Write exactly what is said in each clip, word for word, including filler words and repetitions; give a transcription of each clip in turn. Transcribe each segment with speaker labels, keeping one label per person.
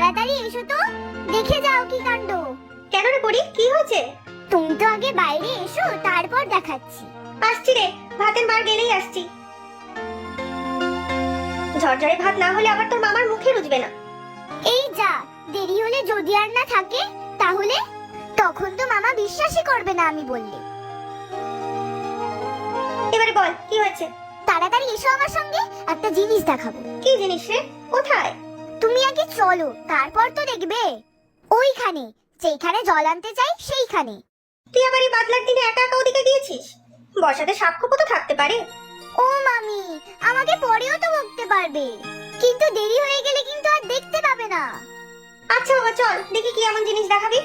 Speaker 1: তাড়াতাড়ি এসো তো, দেখে যাও কি কাণ্ড।
Speaker 2: কেন রে পড়ি, কি হয়েছে?
Speaker 1: তুমি তো আগে বাইরে এসো, তারপর দেখাচ্ছি।
Speaker 2: আসছি রে, ভাতের বার গেলেই আসছি। ঝরঝরে ভাত না হলে আবার তোর মামার মুখে রুজবে না।
Speaker 1: এই যা, দেরি হলে যদি আর না থাকে তাহলে? তখন তো মামা বিশ্বাসই করবে না আমি বললে।
Speaker 2: এবারে বল কি হয়েছে?
Speaker 1: তাড়াতাড়ি এসো আমার সঙ্গে, একটা জিনিস দেখাবো।
Speaker 2: কি জিনিস রে? কোথায়?
Speaker 1: তুমি আগে চলো, তারপর তো দেখবে। ওইখানে, যেখানে জল আনতে চাই সেইখানে।
Speaker 2: তুই আবার এই বাদলার দিনে একা একা ওদিকে গিয়েছিস? বর্ষাতে সাক্ষ্য তো থাকতে পারে।
Speaker 1: ও মামি, আমাকে পরেও তো বকতে পারবে, কিন্তু দেরি হয়ে গেলে কিন্তু আর দেখতে পাবে না।
Speaker 2: আচ্ছা বাবা চল, দেখি কি এমন জিনিস দেখাবি।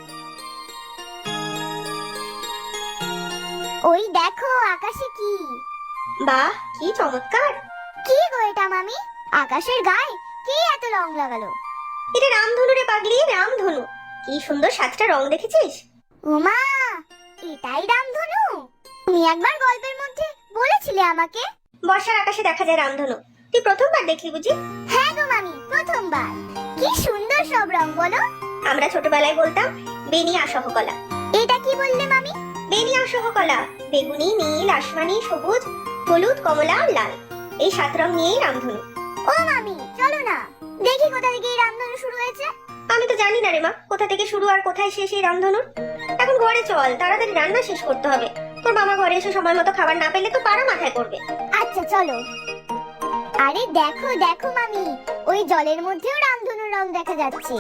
Speaker 1: ওই দেখো আকাশে কি।
Speaker 2: বাহ, কি চমৎকার।
Speaker 1: কি গো এটা মামি, আকাশের গায়ে কে এত রং লাগালো?
Speaker 2: এটা রামধনু রে পাগলি, রামধনু। কি সুন্দর সাতটা রং দেখেছিস?
Speaker 1: ওমা, এটাই রামধনু? তুমি একবার গল্পের মধ্যে বলেছিলে আমাকে।
Speaker 2: বর্ষার আকাশে দেখা যায় রামধনু, তুই প্রথমবার দেখলি বুঝি?
Speaker 1: হ্যাঁ গো মামি, প্রথমবার। কি সুন্দর সব রং বলো।
Speaker 2: আমরা ছোটবেলায় বলতাম বেনিয়া সহকলা।
Speaker 1: এটা কি বললে মামি?
Speaker 2: বেনিয়া সহকলা, বেগুনি, নীল, আসমানি, সবুজ, হলুদ, কমলা আর লাল, এই সাত রং নিয়েই রামধনু।
Speaker 1: ও মামি চলো না, দেখি কোথা থেকে এই রামধনু শুরু হয়েছে।
Speaker 2: আমি তো জানি না রে মা, কোথা থেকে শুরু আর কোথায় শেষ এই রামধনুর। এখন ঘরে চল, তাড়াতাড়ি রান্না শেষ করতে হবে। তোর মামা ঘরে এসে সময় মতো খাবার না পেলে তো পাড়া মাথায় করবে।
Speaker 1: আচ্ছা চলো। আরে দেখো দেখো মামি, ওই জলের মধ্যেও রামধনুর রং দেখা যাচ্ছে।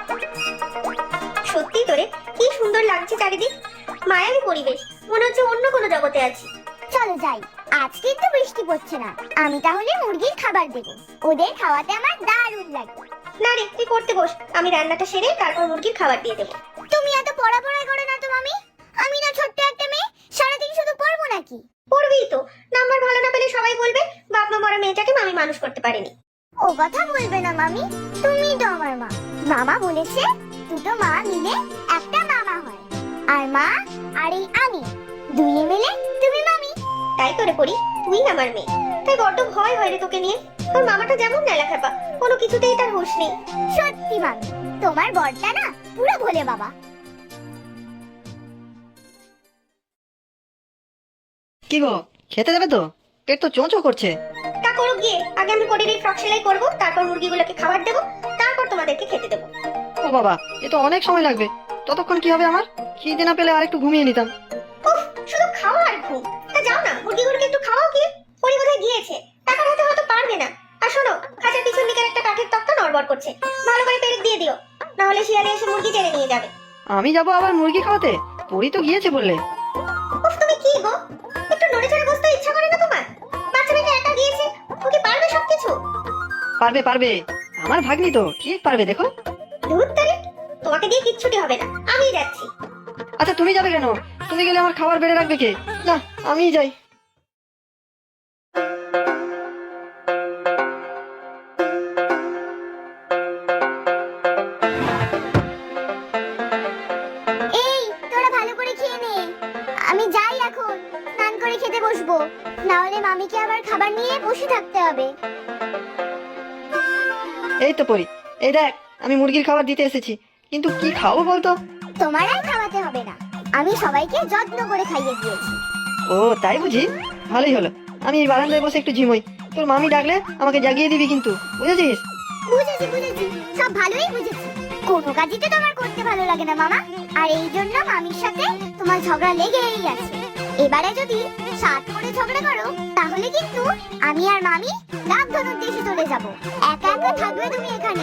Speaker 2: সত্যি তোরে, কি সুন্দর লাগছে চারিদিক, মায়াবী পরিবেশ, মনে হচ্ছে অন্য কোনো জগতে আছি।
Speaker 1: চলো যাই, আজ কিন্তু বৃষ্টি পড়ছে না। আমি তাহলে মুরগির খাবার দেব, ওদের খাওয়াতে আমার দারুণ লাগে।
Speaker 2: না রে, তুই পড়তে বস, আমি রান্নাটা সেরে তারপর মুরগির খাবার দিয়ে দেবো।
Speaker 1: তুমি এত পড়া পড়াই করো না তো মামি। আমি না ছোট্ট একটা মেয়ে, সারাদিন শুধু পড়বো নাকি?
Speaker 2: পড়বি তো, নাম্বার ভালো না পেলে সবাই বলবে বাপ মা মরা মেয়েটাকে মামি মানুষ করতে পারেনি।
Speaker 1: ও কথা বলবে না মামি, তুমি তো আমার মা। মামা বলেছে দুটো মা মিলে একটা মামা হয়, আর মা আর এই আমি দুইয়ে মিলে তুমি মামি।
Speaker 2: তাই তোরে পড়ি, তুই আমার মেয়ে, তাই বড্ড ভয় হয় রে তোকে নিয়ে। তোর মামাটা যেমন নেলা খেপা, কোনো কিছুতেই তার হুঁশ নেই।
Speaker 1: সত্যি মামি, তোমার বড়টা না পুরো ভোলে বাবা।
Speaker 3: কি গো, খেতে দেবে তো? পেট তো চোঁচো করছে।
Speaker 2: তা করুক গিয়ে, আগে আমি পরের এই ফ্রক সেলাই করবো, তারপর মুরগিগুলোকে খাবার দেবো, তারপর তোমাদেরকে খেতে দেবো।
Speaker 3: ও বাবা, এ তো অনেক সময় লাগবে। ততক্ষণ কি হবে আমার? খিদে না পেলে আর একটু ঘুমিয়ে নিতাম।
Speaker 2: উফ, শুধু খাওয়া আর ঘুম। তা যাও না, মুরগিগুলোকে একটু খাওয়াও গিয়ে। পরি কোথায় গিয়েছে, টাকার হাতে হয়তো পারবে না। আর শোনো, খাঁচার পিছন দিকের একটা কাঠের তক্তা নড়বড় করছে, ভালো করে পেরেক দিয়ে দিও, না হলে শিয়ালে এসে মুরগি টেনে নিয়ে যাবে।
Speaker 3: আমি যাবো আবার মুরগি খাওয়াতে? পরি তো গিয়েছে বললে।
Speaker 2: উফ, তুমি কি গো, একটু নড়ে চড়ে বসতে ইচ্ছা করে না তোমার? বাচ্চা মেয়েটা একা গিয়েছে, ও কি পারবে সবকিছু?
Speaker 3: পারবে পারবে, আমার ভাগ্নি তো ঠিক পারবে, দেখো।
Speaker 2: ধুর তারে, তোমাকে দিয়ে কিচ্ছুটি হবে না, আমিই যাচ্ছি।
Speaker 3: আচ্ছা তুমি যাবে কেন? তুমি গেলে আমার খাবার বেড়ে রাখবে কে? না, আমিই যাই।
Speaker 1: এই তোরা ভালো করে খেয়ে নে, আমি যাই এখন, স্নান করে খেতে বসবো, না হলে মামিকে আবার খাবার নিয়ে বসে থাকতে হবে।
Speaker 3: এই তো পরি, এই দেখ আমি মুরগির খাবার দিতে এসেছি, কিন্তু কি খাবো বলতো?
Speaker 1: তোমার আর খাওয়াতে হবে না, আমি সবাইকে যত্ন করে খাইয়ে দিয়েছি।
Speaker 3: ও তাই বুঝি, ভালোই হলো। আমি এই বারান্দায় বসে একটু ঝিমোই, তোর মামি ডাকলে আমাকে জাগিয়ে দিবি কিন্তু, বুঝেছিস?
Speaker 1: বুঝেছি বুঝেছি, সব ভালোই বুঝেছি। কোনো কাজই তো তোমার করতে ভালো লাগে না মামা, আর এই জন্য মামির সাথে তোমার ঝগড়া লেগেই আছে। এবারে যদি সাত করে ঝগড়া করো, তাহলে কিন্তু আমি আর মামি রামধনুর দেশে চলে যাব। একা একা থাকবে তুমি এখানে।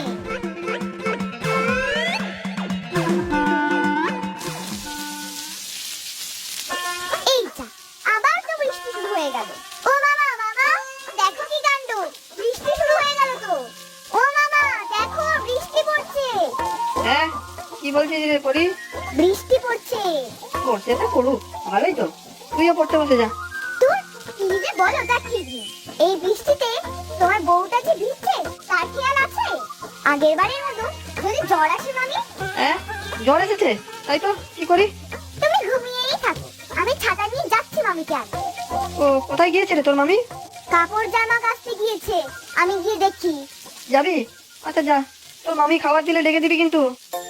Speaker 1: এই যা, আবার তো বৃষ্টি শুরু হয়ে গেল। ও মামা মামা, দেখো কি কাণ্ড, বৃষ্টি শুরু হয়ে গেল তো। ও মামা দেখো, বৃষ্টি পড়ছে।
Speaker 3: হ্যাঁ, কি বলছিস রে পরি?
Speaker 1: বৃষ্টি পড়ছে।
Speaker 3: পড়তে তো পড়ুক, ভালোই তো, তুইও পড়তে বসে যা।
Speaker 1: তুই কি যে বলো তা ঠিক নেই। এই বৃষ্টিতে তোমার বউটা যে ভিজছে তার খেয়াল আছে? আগের বারের মতো যদি জ্বর আসে মামি।
Speaker 3: হ্যাঁ, জ্বর এসেছে, তাই তো কি করি?
Speaker 1: তুমি ঘুমিয়েই থাকো, আমি ছাতা নিয়ে যাচ্ছি মামিকে আনতে।
Speaker 3: ও কোথায় গিয়েছে রে তোর মামি?
Speaker 1: কাপড় জামা কাচতে গিয়েছে, আমি গিয়ে দেখি।
Speaker 3: যাবি? আচ্ছা যা, তোর মামি খাবার দিলে ডেকে দিবি কিন্তু।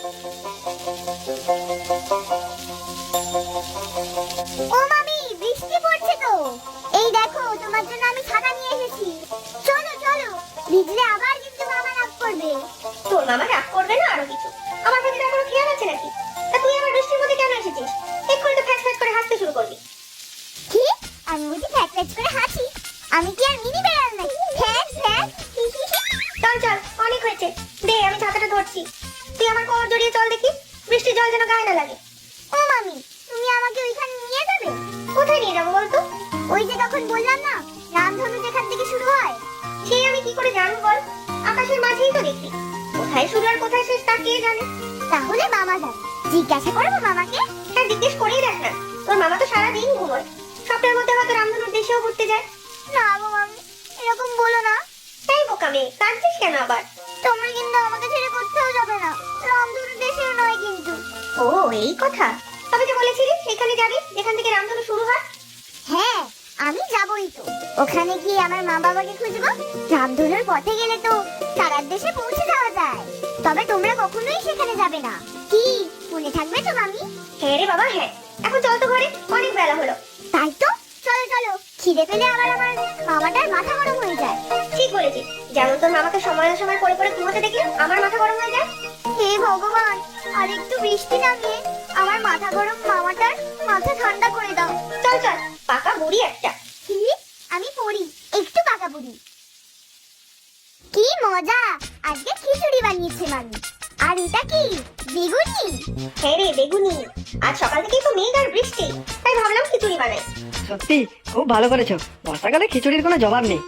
Speaker 1: ও মামি, বৃষ্টি পড়ছে তো। এই দেখো, তোমার জন্য আমি ছাতা নিয়ে এসেছি। চলো চলো, ভিজলে আবার কিন্তু মামা রাগ করবে।
Speaker 2: তোর মামা রাগ করবে না আরো কিছু? আমার প্রতি তার কোনো খেয়াল আছে নাকি? তা তুই আবার বৃষ্টির মধ্যে কেন এসেছিস? এক্ষুনি তো ফ্যাচ ফ্যাচ করে হাসতে শুরু করবি।
Speaker 1: কি? আমি বুঝি ফ্যাট ফ্যাট করে হাসি? আমি কি আর মিনি বেড়াল নাকি? ফ্যাট ফ্যাট।
Speaker 2: চল চল, অনেক হয়েছে, দে আমি ছাতাটা ধরছি। তুই আমার কোমর জড়িয়ে চল দেখি, বৃষ্টির জল যেন গায়ে না লাগে।
Speaker 1: ও মামি, তুমি আমাকে ওইখানে নিয়ে যাবে?
Speaker 2: কোথায় নিয়ে যাবো বলতো?
Speaker 1: ওই যে তখন বললাম না, রামধনু যেখান থেকে শুরু হয়।
Speaker 2: সেই আমি কি করে জানবো বল? আকাশের মাঝেই তো দেখি, কোথায় শুরু আর কোথায় শেষ তা কে জানে?
Speaker 1: তাহলে মামা যাবে, জিজ্ঞাসা করবো মামাকে।
Speaker 2: হ্যাঁ, জিজ্ঞেস করেই দেখ না, তোর মামা তো সারাদিন ঘুমোয়। স্বপ্নের মধ্যে হয়তো রামধনুর দেশেও ঘুরতে যায়।
Speaker 1: না গো মামি, এরকম বলো না।
Speaker 2: তাই বোকা মেয়ে, কাঁদছিস কেন আবার?
Speaker 1: তোমরা কিন্তু আমাকে ছেড়ে কোথাও যাবে না, রামধনু দেশেও নয় কিন্তু।
Speaker 2: ও এই কথা, তবে যে বলেছিলি সেখানে যাবি যেখান থেকে রামধনু শুরু হয়।
Speaker 1: হ্যাঁ, আমি যাবই তো। ওখানে গিয়ে আমার মা বাবাকে খুঁজবো। রামধনুর পথে গেলে তো তারার দেশে পৌঁছে যাওয়া যায়। তবে তোমরা কখনোই সেখানে যাবে না। কি মনে থাকবে তো মামি?
Speaker 2: হ্যাঁ রে বাবা হ্যাঁ, এখন চল তো ঘরে, অনেক বেলা হলো।
Speaker 1: তাই তো, চলো চলো। খিদে পেলে আবার আমার মামাটার মাথা গরম হয়ে যায়।
Speaker 2: ঠিক বলেছিস, যেমন তোর মামাকে সময় সময় করে করে ঘুমোতে দেখলে আমার মাথা গরম হয়ে যায়।
Speaker 1: হে ভগবান, আর একটু বৃষ্টি নামিয়ে আমার মাথা গরম মামাটার মাথা ঠান্ডা করে দাও।
Speaker 2: চল চল, পাকা বুড়ি একটা।
Speaker 1: কি? আমি পড়ি, একটু পাকা বুড়ি। কি মজা, আজকে খিচুড়ি বানিয়েছে মামি। আর এটা কি, বেগুনি?
Speaker 2: হ্যাঁ রে বেগুনি, আজ সকাল থেকেই তো মেঘ আর বৃষ্টি, তাই ভাবলাম খিচুড়ি বানাই।
Speaker 3: সত্যি খুব ভালো করেছো, বর্ষাকালে খিচুড়ির কোনো জবাব নেই।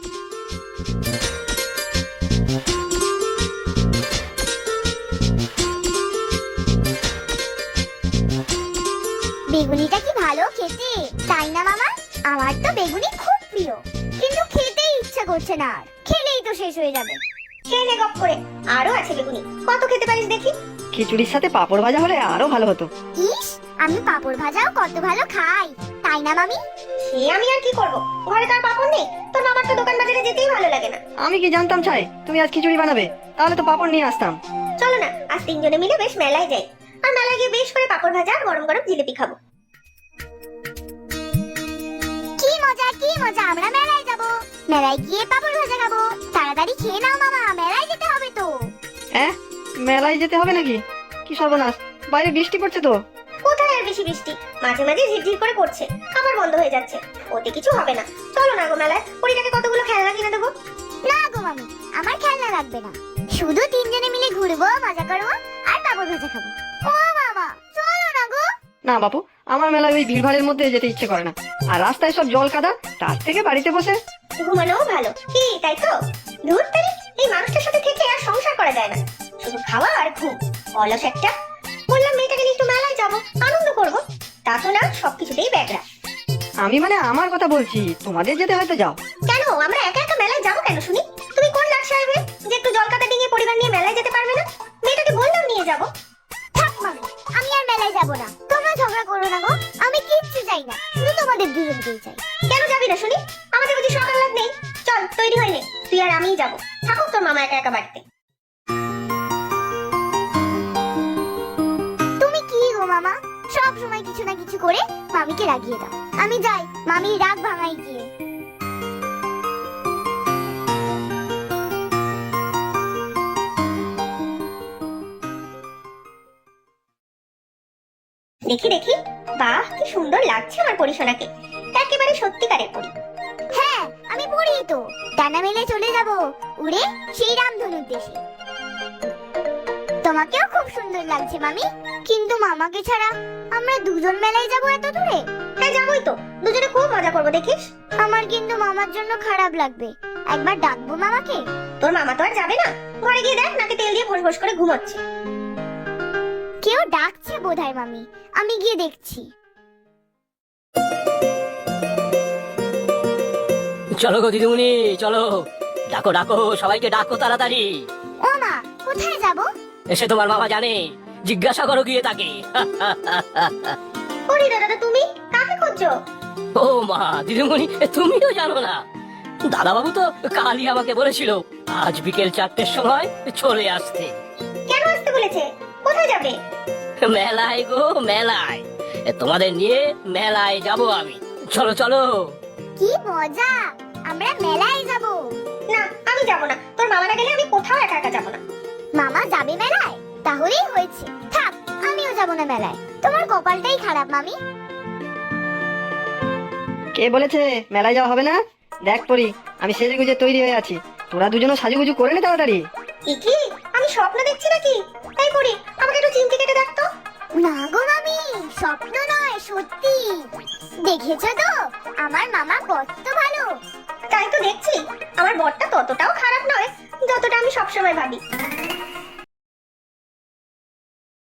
Speaker 1: বেগুনিটা কি ভালো খেতে, তাই না মামা? আমার তো বেগুনি খুব প্রিয়, কিন্তু খেতেই ইচ্ছা করছে না। আর খেলেই তো শেষ হয়ে যাবে।
Speaker 2: খেয়ে নে গপ করে, আরো আছে বেগুনি, কত খেতে পারিস দেখি।
Speaker 3: খিচুড়ির সাথে পাঁপড় ভাজা হলে আরো ভালো হতো।
Speaker 1: ইস, আমি পাঁপড় ভাজাও কত ভালো খাই, তাই না মামি?
Speaker 2: সে আমি আর কি করব, ঘরে তার পাপড় নেই। তোর মামার তো দোকান বাজারে যেতেই ভালো লাগে না।
Speaker 3: আমি কি জানতাম চাই তুমি আজ খিচুড়ি বানাবে, তাহলে তো পাঁপড় নিয়ে আসতাম।
Speaker 2: চলো না, আজ তিনজনে মিলে বেশ মেলায় যাই, আর মেলায় গিয়ে বেশ করে পাপড় ভাজা আর গরম গরম জিলিপি খাবো।
Speaker 1: কি মজা কি মজা, আমরা মেলায় যাব, মেলায় গিয়ে পাঁপড় ভাজা খাবো। তাড়াতাড়ি খেয়ে নাও মামা, মেলায় যেতে হবে তো।
Speaker 3: হ্যাঁ, মেলায় যেতে হবে নাকি? কি সর্বনাশ, বাইরে বৃষ্টি পড়ছে তো।
Speaker 2: কোথায় আর বেশি বৃষ্টি, মাঝে মাঝে ঝিরঝির করে পড়ছে, আবার বন্ধ হয়ে যাচ্ছে, ওতে কিছু হবে না। চলো না গো মেলায়, পরিটাকে কতগুলো খেলনা কিনে দেবো।
Speaker 1: না গো মামি, আমার খেলনা লাগবে না। শুধু তিনজনে মিলে ঘুরবো, মজা করবো আর পাঁপড় ভাজা খাবো। ও মামা, চলো না গো।
Speaker 3: না বাপু, আমার মেলায় ওই ভিড়ভাড়ের মধ্যে যেতে ইচ্ছে করে না। আর রাস্তায় সব জল কাদা, তার থেকে বাড়িতে বসে
Speaker 2: ঘুমানোও ভালো, কি তাই তো? ধুর তারি, এই মানুষটার সাথে থেকে আর সংসার করা যায় না, শুধু খাওয়া আর ঘুম, অলস একটা। বললাম মেয়েটাকে নিয়ে একটু মেলায় যাবো, আনন্দ করবো, তা তো না, সবকিছুতেই ব্যাগরা।
Speaker 3: আমি মানে আমার কথা বলছি, তোমাদের যেতে হয়তো যাও।
Speaker 2: কেন আমরা একা একা মেলায় যাবো কেন শুনি? তুমি কোন লাট সাহেবে যে একটু জল কাটা ডিঙিয়ে পরিবার নিয়ে মেলায় যেতে পারবে না? মেয়েটাকে বললাম নিয়ে যাবো।
Speaker 1: থাক মামি, আমি আর মেলায় যাবো না। তোমরা ঝগড়া করো না গো, আমি কিচ্ছু চাই না, শুধু তোমাদের দুজনকেই চাই।
Speaker 2: কেন যাবি না শুনি? আমাদের বুঝি সকাল লাগ নেই? চল তৈরি হয়ে নে, তুই আর আমিই যাবো, থাকুক তোর মামা একা একা বাড়িতে।
Speaker 1: তুমি কি গো মামা, সব সময় কিছু না কিছু করে মামিকে রাগিয়ে দাও। আমি যাই, মামি রাগ ভাঙাই গিয়ে।
Speaker 2: দেখি দেখি, বাহ কি সুন্দর লাগছে আমার পরিশোনাকে, একেবারে সত্যিকারের পরি।
Speaker 1: হ্যাঁ, আমি পড়ি তো। ডানা মেলে চলে যাব উড়ে সেই রামধনুর দেশে। তোমাকেও খুব সুন্দর লাগছে মামি, কিন্তু মামাকে ছাড়া আমরা দুজন মেলায় যাব এত দূরে।
Speaker 2: হ্যাঁ যাবোই তো, দুজনে খুব মজা করবো দেখিস।
Speaker 1: আমার কিন্তু মামার জন্য খারাপ লাগবে, একবার ডাকবো মামাকে।
Speaker 2: তোর মামা তো আর যাবে না, ঘরে গিয়ে দেখ নাকে তেল দিয়ে ভোস ভোস করে ঘুমোচ্ছে।
Speaker 1: কেউ ডাকছে বোধহয় মামি, আমি গিয়ে দেখছি।
Speaker 4: চলো গো দিদিমণি, চলো, ডাকো ডাকো, সবাইকে ডাকো তাড়াতাড়ি।
Speaker 1: ও মা, কোথায় যাব?
Speaker 4: এসে তোমার বাবা জানে, জিজ্ঞাসা করো গিয়ে তাকে।
Speaker 2: ওরে দাদা, তুমি কাকে খুঁজছো?
Speaker 4: ও মা, দিদিমণি তুমিও জানো না? দাদা বাবু তো কালই আমাকে বলেছিল আজ বিকেল চারটের সময় চলে আসতে।
Speaker 2: বলেছে, কোথায় যাবে?
Speaker 4: মেলায় গো মেলায়, এ, তোমাদের নিয়ে মেলায় যাব আমি। চলো চলো।
Speaker 1: কি মজা, আমরা মেলায় যাব।
Speaker 2: না, আমি যাব না। তোর মামা না গেলে আমি কোথাও একা একা যাব না।
Speaker 1: মামা যাবে মেলায়? তাহলেই হয়েছে, থাক, আমিও যাব না মেলায়। তোমার কপালটাই খারাপ মামি।
Speaker 3: কে বলেছে মেলায় যাওয়া হবে না? দেখ পরি, আমি সেজে গুজে তৈরি হয়ে আছি, তোরা দুজনও সাজুগুজু করে নে তাড়াতাড়ি।
Speaker 2: এ কি, আমি স্বপ্ন দেখছি নাকি? তাই করি, আমাকে একটু চিমটি কেটে দেখ তো।
Speaker 1: না গো মামি, স্বপ্ন নয়, সত্যি। দেখেছো তো আমার মামা কত ভালো।
Speaker 2: তাই তো দেখছি, আমার বরটা ততটাও খারাপ নয় যতটা আমি সবসময় ভাবি।